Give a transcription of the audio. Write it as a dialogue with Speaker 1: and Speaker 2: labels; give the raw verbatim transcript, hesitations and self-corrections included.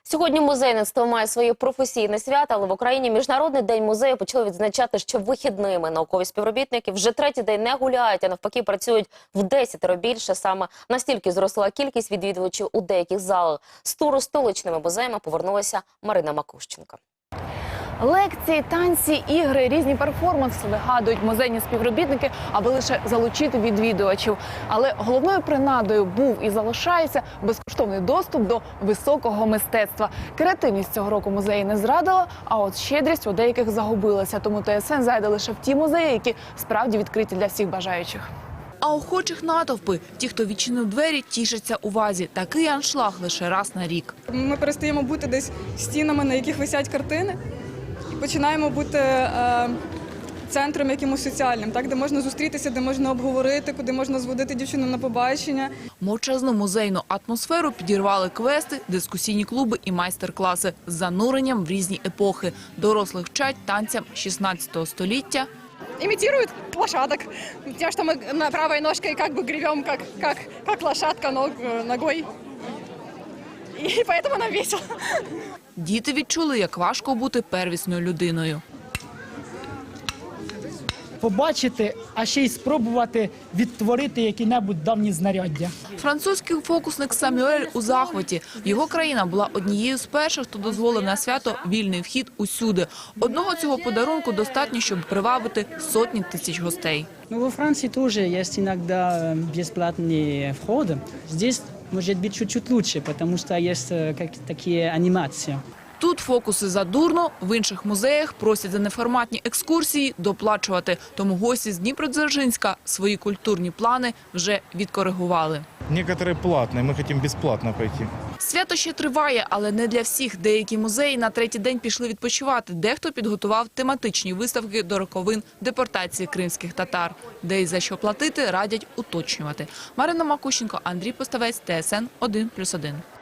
Speaker 1: Сьогодні музейництво має своє професійне свято, але в Україні Міжнародний день музею почали відзначати ще вихідними. Наукові співробітники вже третій день не гуляють, а навпаки працюють в десятеро більше. Саме настільки зросла кількість відвідувачів у деяких залах. З туру столичними музеями повернулася Марина Макущенко.
Speaker 2: Лекції, танці, ігри, різні перформанси вигадують музейні співробітники, аби лише залучити відвідувачів. Але головною принадою був і залишається безкоштовний доступ до високого мистецтва. Креативність цього року музеї не зрадила, а от щедрість у деяких загубилася. Тому ТСН зайде лише в ті музеї, які справді відкриті для всіх бажаючих. А охочих натовпи. Ті, хто відчинив двері, тішаться увазі. Такий аншлаг лише раз на рік.
Speaker 3: Ми перестаємо бути десь стінами, на яких висять картини, і починаємо бути е, центром якимось соціальним, так, де можна зустрітися, де можна обговорити, куди можна зводити дівчину на побачення.
Speaker 2: Мовчазну музейну атмосферу підірвали квести, дискусійні клуби і майстер-класи з зануренням в різні епохи. Дорослих вчать танцям шістнадцятого століття.
Speaker 4: Имитируют лошадок. Тем, что мы на правой ножкой как бы гребем, как, как, как лошадка ног, ногой. И поэтому нам весело.
Speaker 2: Діти відчули, як важко бути первісною людиною.
Speaker 5: Побачити, а ще й спробувати відтворити які-небудь давні знаряддя.
Speaker 2: Французький фокусник Самюель у захваті. Його країна була однією з перших, хто дозволив на свято вільний вхід усюди. Одного цього подарунку достатньо, щоб привабити сотні тисяч гостей.
Speaker 6: Ну, во Франции тоже есть иногда бесплатные входы. Здесь может быть чуть-чуть лучше, потому что есть как такие анимации.
Speaker 2: Тут фокуси задурно, в інших музеях просять за неформатні екскурсії доплачувати. Тому гості з Дніпродзержинська свої культурні плани вже відкоригували.
Speaker 7: Некоторые платные, мы хотим бесплатно пойти.
Speaker 2: Свято ще триває, але не для всіх. Деякі музеї на третій день пішли відпочивати. Дехто підготував тематичні виставки до роковин депортації кримських татар. Де і за що платити, радять уточнювати. Марина Макущенко, Андрій Поставець, ТСН один плюс один.